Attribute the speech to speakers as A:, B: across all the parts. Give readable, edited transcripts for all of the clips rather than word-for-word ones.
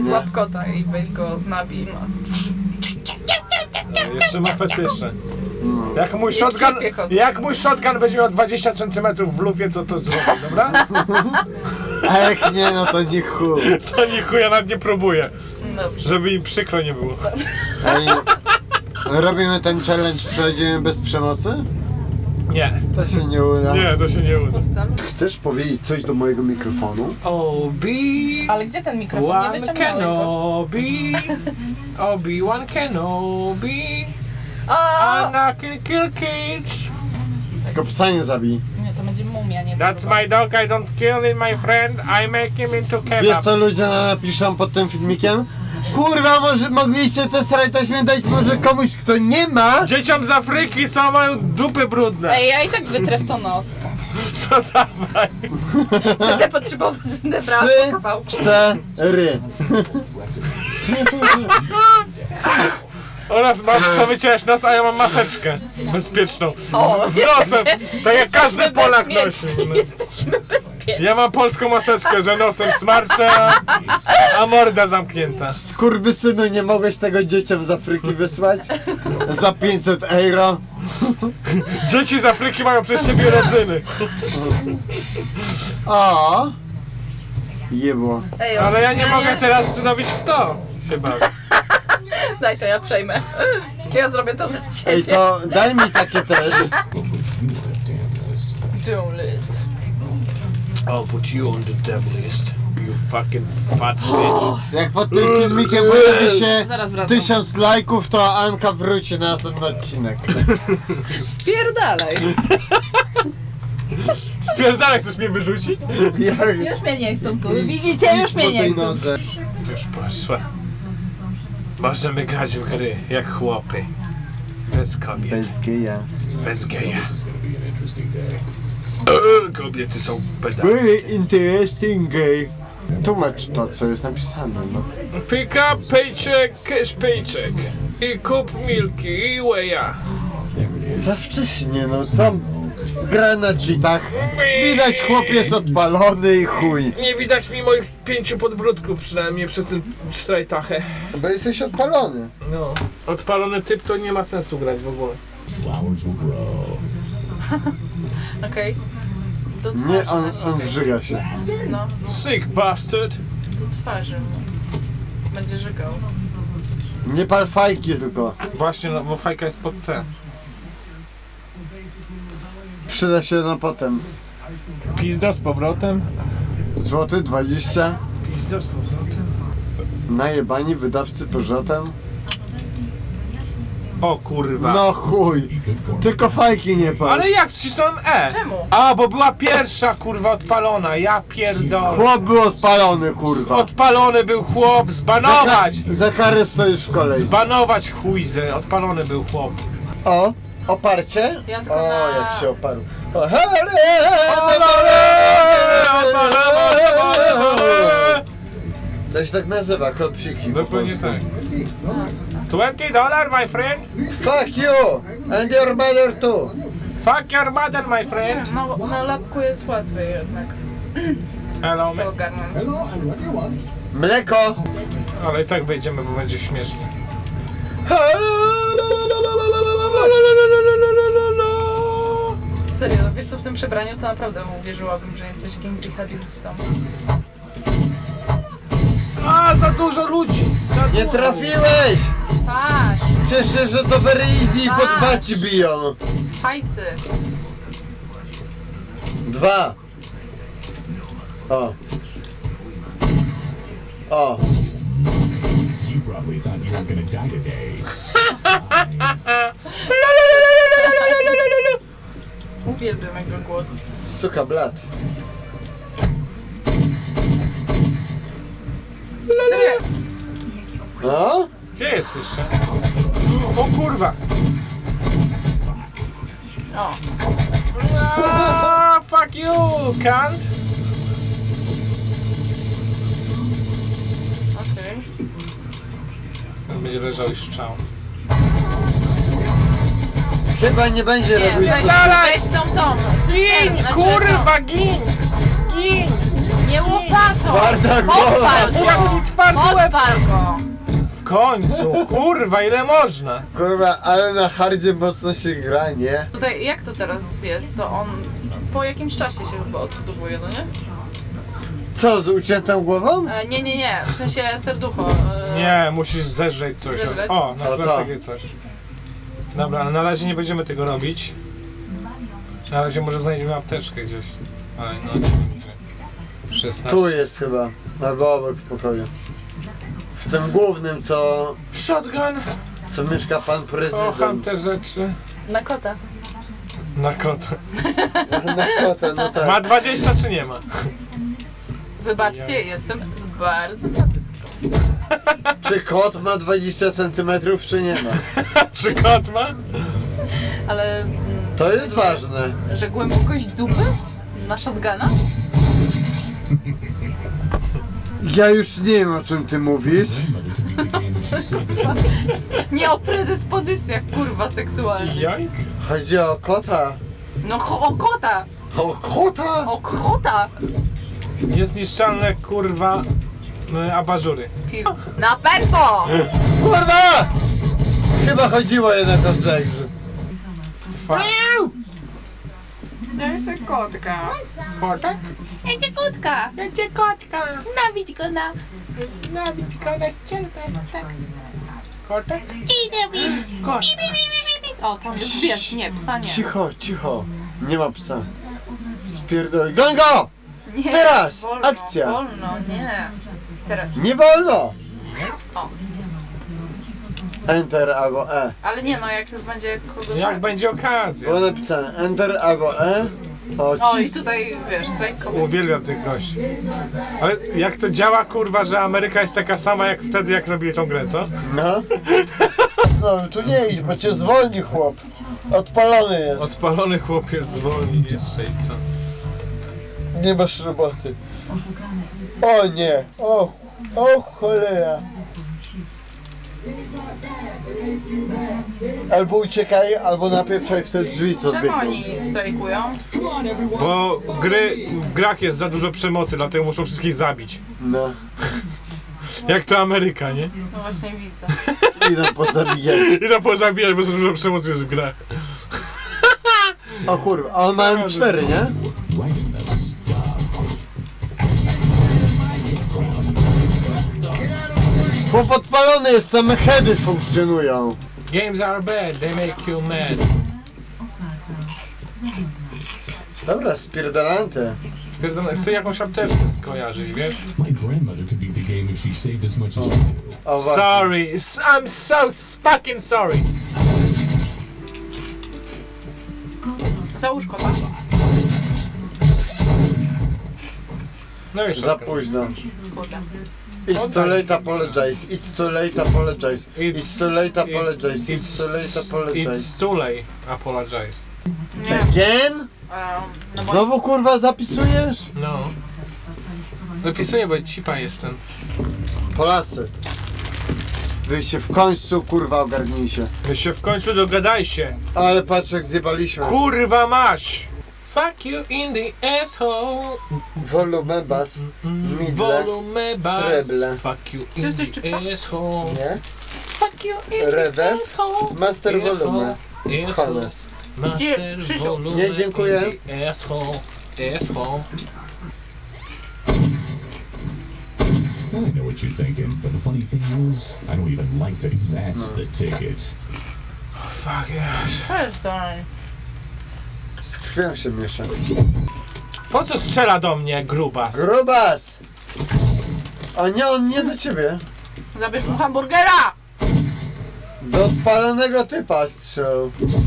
A: I złap kota i weź go nabij. No.
B: Jeszcze ma fetysze. Jak mój shotgun będzie miał 20 cm w lufie, to zrobię, dobra?
C: A jak nie, no to nie chuj.
B: To nie chuj, ja nawet nie próbuję.
A: Dobrze.
B: Żeby im przykro nie było.
C: Ej, robimy ten challenge, przechodzimy bez przemocy?
B: Nie.
C: To się nie uda.
B: Nie, to się nie uda.
C: Chcesz powiedzieć coś do mojego mikrofonu?
B: Obi...
A: Ale gdzie ten mikrofon? Nie wyciągnąłeś go.
B: Kenobi... Obi-Wan Kenobi...
A: A!
B: Anakin kill kids...
C: Tylko psa nie zabij.
A: Nie, to będzie mumia, nie
B: That's my dog, I don't kill him, my friend. I make him into
C: Wiesz
B: kebab.
C: co ludzie napiszą pod tym filmikiem? Kurwa, może mogliście te stare taśmy dać może komuś, kto nie ma?
B: Dzieciom z Afryki co mają dupy brudne.
A: Ej, ja i tak wytrę w to nos.
B: To dawaj.
A: Będę potrzebować, będę brała
C: 3,
A: kawałku.
C: 4.
B: Oraz masz co wyciąłeś nos, a ja mam maseczkę bezpieczną.
A: O,
B: Z nosem, tak jak każdy Polak nosi.
A: bezpieczni, jesteśmy bezpieczni.
B: Ja mam polską maseczkę, że nosem smarczę, a morda zamknięta.
C: Skurwysynu, nie mogłeś tego dzieciom z Afryki wysłać? Za 500 euro?
B: Dzieci z Afryki mają przez ciebie rodzyny.
C: O! Jebło.
A: Ej,
B: Ale ja nie mogę teraz zrobić w to. Się bawię.
A: Daj to, ja przejmę. Ja zrobię to za ciebie.
C: Ej, to daj mi takie też.
A: Doom list.
B: I'll put you on the devil list. You fucking fat bitch.
C: Jak pod tym filmikiem pojawi się
A: Zaraz wracam.
C: 1000 lajków, to Anka wróci na następny odcinek.
A: Spierdalaj.
B: Spierdalaj, chcesz mnie wyrzucić?
A: Już mnie nie chcą tu. Widzicie, już mnie nie chcą.
B: Już poszła. Możemy grać w gry jak chłopy. Bez kobiet.
C: Bez geja.
B: Bez geja. Kobiety są pedale.
C: Very interesting gay. Tłumacz to, co jest napisane, no.
B: Pick up paycheck, cash paycheck. I kup milki i whey'a.
C: Za wcześnie, no co? Gra na cheatach. Widać, chłop jest odpalony i chuj.
B: Nie widać mi moich 5 podbródków przynajmniej przez ten strajtachę.
C: Bo jesteś odpalony.
B: No. Odpalony typ to nie ma sensu grać w ogóle.
A: Okej. Do
C: Nie,
A: twarzy
C: on
A: nasikaj.
C: zżyga się.
A: No,
B: Sick bastard.
A: do twarzy. Będzie żygał.
C: Nie pal fajki tylko.
B: Właśnie, no bo fajka jest pod te.
C: Przyda się na potem.
B: Pizda z powrotem.
C: Złoty 20.
B: Pizda z powrotem.
C: Najebani wydawcy powrotem.
B: O kurwa.
C: No chuj. Tylko fajki nie pal.
B: Ale jak wcisnąłem E?
A: Czemu?
B: A, bo była pierwsza kurwa odpalona, ja pierdolę.
C: Chłop był odpalony, kurwa.
B: Odpalony był chłop, zbanować!
C: Za karę stoisz w kolei.
B: Zbanować chujzę, odpalony był chłop.
C: O, oparcie?
A: Ja tylko
C: O,
A: na-
C: jak się oparł. O, to się tak nazywa, klopsiki. po
B: Dokładnie
C: polsku.
B: tak. $20, my friend.
C: Fuck you! And your mother too!
B: Fuck your mother, my friend.
A: No, na lapku jest łatwiej jednak
B: Hello,
A: to
B: man.
A: ogarnąć.
C: Mleko!
B: Ale i tak wejdziemy, bo będzie śmiesznie.
A: Serio, wiesz co, w tym przebraniu to naprawdę uwierzyłabym, że jesteś kimś dżihadistą.
B: A, za dużo ludzi. Za
C: Nie
B: dużo.
C: trafiłeś!
A: Patrz,
C: Cieszę, że to very easy i po 2 ci biją.
A: hajsy.
C: 2. O. O.
D: You probably thought you were gonna die today.
A: Uwielbiam jego głos.
C: Suka blat.
A: Serio,
C: No?
B: Gdzie jesteś? O kurwa.
A: o,
B: Ah, fuck you, cunt.
A: okej.
B: Będzie leżał i szczał.
C: Chyba nie będzie
A: Nie,
C: robić.
A: weź tą.
B: Gin,
A: Znaczy,
B: kurwa, gin! Gin!
A: Nie łopatą!
C: Twarda głowa.
A: Podpal go!
B: Jaki twardy łeb!
A: Podpal go!
B: W końcu, kurwa, ile można?
C: Kurwa, ale na hardzie mocno się gra, nie?
A: Tutaj, jak to teraz jest? To on po jakimś czasie się chyba odbudowuje, no nie?
C: Co, z uciętą głową?
A: Nie. W sensie serducho.
B: Nie, musisz zeżreć coś.
A: Zeżreć?
B: O, na
C: O,
B: przykład
C: to.
B: takie coś. Dobra, ale na razie nie będziemy tego robić. Na razie może znajdziemy apteczkę gdzieś. Ale no nie wiem gdzie. 16.
C: Tu jest chyba, albo obok w pokoju. W tym głównym, co mieszka pan
B: Kocham
C: prezydent.
B: te rzeczy.
A: Na kota.
B: Na kota.
C: Na kota, no tak.
B: Ma 20 czy nie ma?
A: Wybaczcie, jestem bardzo sadystką.
C: Czy kot ma 20 cm, czy nie ma?
B: Czy kot ma?
A: Ale...
C: To jest ważne.
A: Że głębokość dupy? Na shotguna?
C: Ja już nie wiem, o czym ty mówisz.
D: Grandmother could beat the game if she saved us money.
A: Nie o predyspozycjach, kurwa, seksualnych.
B: Jajk?
C: Chodzi o kota.
A: No o kota!
C: O kota?
A: O kota!
B: Niezniszczalne, kurwa, abażury.
A: Na pewno!
C: Kurwa! Chyba chodziło jednak o seks.
B: Fa-
A: Ja chcę kotka.
B: Kotek?
A: Ja chcę kotka!
B: Ja cię kotka!
A: Nabić go na...
B: Nabić go na ścianę. Tak. Kotek?
A: Idę bić!
B: Kot.
A: O, tam jest pies, nie, psa nie.
C: Cicho, cicho. Nie ma psa. Spierdol. Goń go!
A: Nie,
C: Teraz!
A: wolno,
C: Akcja!
A: Wolno, nie. Teraz.
C: Nie wolno!
A: O.
C: Enter albo E.
A: Ale nie no, jak już będzie kogoś...
B: Jak będzie okazja.
C: Było napisane Enter albo E.
A: O i tutaj, wiesz, strajkowy.
B: Uwielbiam tych gości. Ale jak to działa, kurwa, że Ameryka jest taka sama jak wtedy, jak robili tą grę, co?
C: No. No, tu nie idź, bo cię zwolni chłop. Odpalony jest.
B: Odpalony chłopiec zwolni jeszcze i co?
C: Nie masz roboty. O nie. O cholera. Albo uciekaj, albo napieprzaj w te drzwi, co
A: Czemu
C: biegną.
A: oni strajkują?
B: Bo w grach jest za dużo przemocy, dlatego muszą wszystkich zabić.
C: No.
B: Jak to Ameryka, nie?
A: No właśnie widzę.
C: Idą pozabijać.
B: I to pozabijać, bo za dużo przemocy jest w grach.
C: O kurwa, a on ma M4, nie?
D: Right in the stuff.
C: Bo podpalony jest, same heady funkcjonują.
B: Games are bad, they make you mad.
C: Dobra, spierdalante.
B: Spierdolę, chcę jakąś apteczkę skojarzyć, wiesz?
D: My grandmother could beat the game if she saved as much as you do.
C: O właśnie.
B: Sorry, I'm so fucking sorry.
A: Załóż kota.
B: No i
C: Za
B: shotgun.
C: późno.
A: Kurde.
C: It's too late apologize. It's too late apologize. It's too late apologize. It's too late apologize.
B: It's too late. Apologize.
A: Nie.
C: Again?
A: No bo
C: Znowu kurwa zapisujesz?
B: No. Zapisuję, bo cipa jestem.
C: Polacy. Wy się w końcu kurwa ogarnij się.
B: Wy się w końcu dogadajcie.
C: Ale patrz jak zjebaliśmy.
B: Kurwa maś! Fuck you in the asshole.
C: Volume bas. Midle.
B: Volume bass.
C: treble.
B: Fuck you
A: Czy
B: in
A: ktoś czypsa?
B: the asshole.
C: Nie?
B: Fuck you in
C: Reverb.
B: the asshole.
C: Master volume.
B: Asshole.
C: Hannes.
B: Master
A: Krzysiu.
B: volume
C: Nie, dziękuję.
B: in the asshole. Asshole.
D: I know what you're thinking, but the funny thing is, I don't even like that that's the ticket.
B: Fuck yes.
A: przestań.
C: Z krwią się miesza.
B: Po co strzela do mnie grubas?
C: Grubas! A nie, on nie do ciebie.
A: Zabierz mu hamburgera!
C: Do odpalonego typa strzał.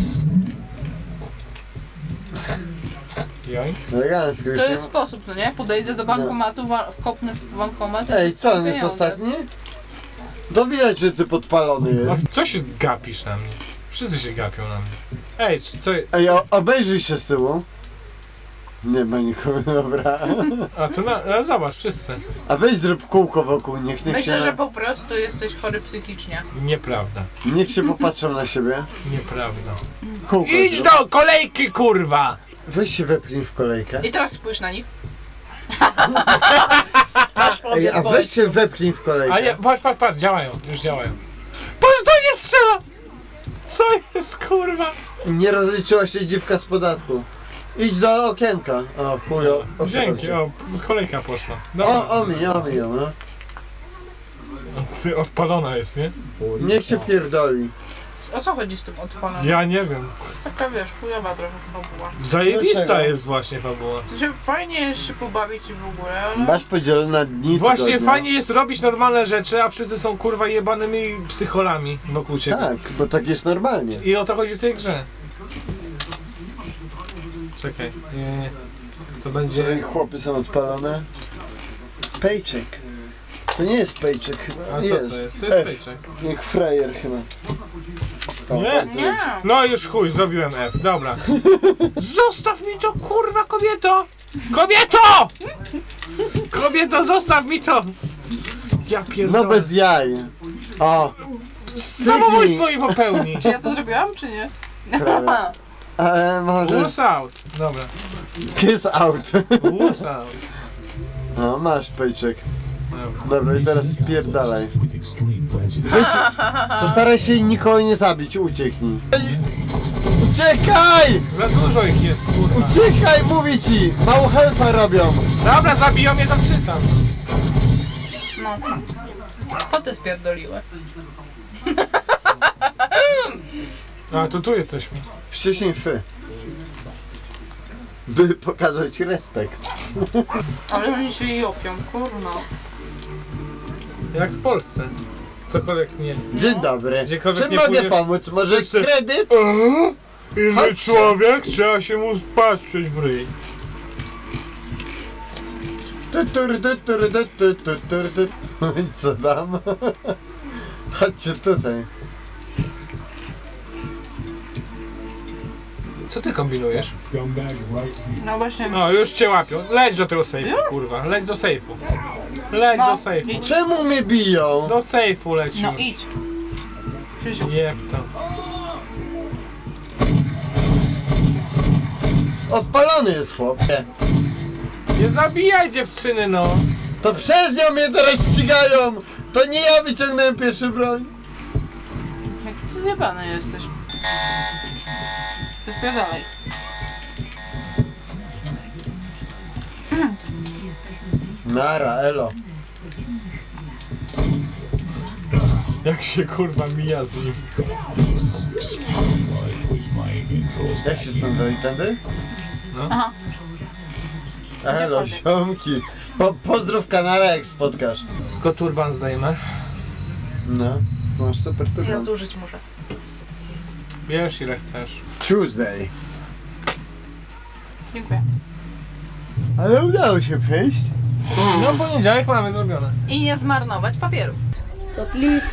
B: Joink.
C: Elegancko już
A: To
C: nie
A: jest
C: ma...
A: sposób, no nie? Podejdę do bankomatu, kopnę w bankomat. i
C: Ej, co, on jest
A: pieniądze.
C: ostatni? To widać, że ty podpalony
B: A
C: jest.
B: co się gapisz na mnie? Wszyscy się gapią na mnie. Ej, co?
C: Ej, obejrzyj się z tyłu. Nie ma nikogo, dobra.
B: A to zobacz, wszyscy.
C: A weź zrób kółko wokół, niech
A: Myślę,
C: się,
A: że po prostu jesteś chory psychicznie.
B: Nieprawda.
C: niech się popatrzą na siebie.
B: Nieprawda.
C: Kółko
B: Idź
C: zrób.
B: do kolejki, kurwa!
C: Weź się wepchnij w kolejkę.
A: I teraz spójrz na nich. Masz fobię
C: Ej, a
A: z
C: weź się wepchnij w kolejkę.
B: A nie, patrz, działają, już działają. Patrz, to nie strzela! Co jest, kurwa?
C: Nie rozliczyła się dziwka z podatku. Idź do okienka. O chujo.
B: Dzięki, o, kolejka poszła. Dobra.
C: O mi, no.
B: Ty odpalona jest, nie?
C: Niech się pierdoli.
A: O co chodzi z tym odpalonym?
B: Ja nie wiem.
A: Taka wiesz, chujowa trochę fabuła.
B: Zajebista
C: Dlaczego?
B: jest właśnie fabuła.
A: To się fajnie jest się pobawić i w ogóle, ale...
C: Masz podzielone na dni
B: Właśnie
C: tygodnia.
B: fajnie jest robić normalne rzeczy, a wszyscy są kurwa jebanymi psycholami wokół ciebie.
C: Tak, bo tak jest normalnie.
B: I o to chodzi w tej grze. Czekaj, nie. To będzie...
C: Tutaj chłopy są odpalone. Paycheck. To nie jest paycheck chyba.
B: A co
C: jest.
B: to jest? To jest
C: F.
B: paycheck.
C: Jak frajer chyba. O,
B: Nie.
C: bardzo
A: Nie!
C: dobrze.
B: No już chuj, zrobiłem F, dobra. Zostaw mi to, kurwa, kobieto! Kobieto! Kobieto, zostaw mi to! Ja pierdolę.
C: No bez jaj. O.
B: Samobójstwo mi popełni.
A: Czy ja to zrobiłam, czy nie?
C: Prawie. Ale może...
B: Wuss out. Dobra.
C: Kiss out.
B: Wuss out.
C: No, masz paycheck.
B: Dobra.
C: Dobra, i teraz spierdalaj.
D: With extreme prejudice.
C: Weź, postaraj się nikogo nie zabić, ucieknij. Uciekaj!
B: Za dużo ich jest, kurwa.
C: Uciekaj, mówię ci! Mało helfa robią.
B: Dobra, zabiją mnie, to czytam.
A: No. To ty spierdoliłeś.
B: A, to tu jesteśmy.
C: Wcześniej fy. By pokazać respekt.
A: Ale oni się jopią, kurno.
B: Jak w Polsce. Cokolwiek nie.
C: Dzień dobry.
B: Gdziekolwiek
C: Czym
B: nie
C: mogę
B: pójdziesz-
C: pomóc? Może
B: Wszyscy-
C: kredyt?
B: Inny
C: Chodźcie.
B: człowiek, trzeba się mu patrzeć w ryj.
C: I co tam? Chodźcie tutaj.
B: Co ty kombinujesz?
D: Scumbag right here.
A: No właśnie.
B: No, już cię łapią. Leć do tego sejfu, kurwa. Leć do sejfu. Leć
A: No,
B: do sejfu.
A: idź.
C: Czemu mnie biją?
B: Do sejfu leć
A: No
B: już.
A: idź. Krzysiu.
B: Jeb to.
C: Odpalony jest chłopie.
B: Nie zabijaj dziewczyny, no.
C: To przez nią mnie teraz ścigają. To nie ja wyciągnąłem pierwszy broń.
A: Jaki ty zjebany jesteś. Ty spierdalaj.
C: Nara, elo.
B: Jak się kurwa mija z nim.
D: I push my intros
C: Jak
D: back
C: się
D: here.
C: stąd dojść tędy?
B: No.
A: Aha.
C: Elo, ziomki. Pozdrów kanara, jak spotkasz.
B: Tylko turban zdejmę.
C: No, masz super
A: Ja
C: turban.
A: zużyć muszę.
B: Bierz ile chcesz.
C: Tuesday.
A: Dziękuję.
C: Ale udało się przejść.
B: No poniedziałek mamy zrobione.
A: I nie zmarnować papieru.
E: So please,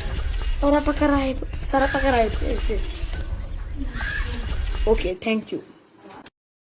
E: Sarapakarai. Okay, thank you.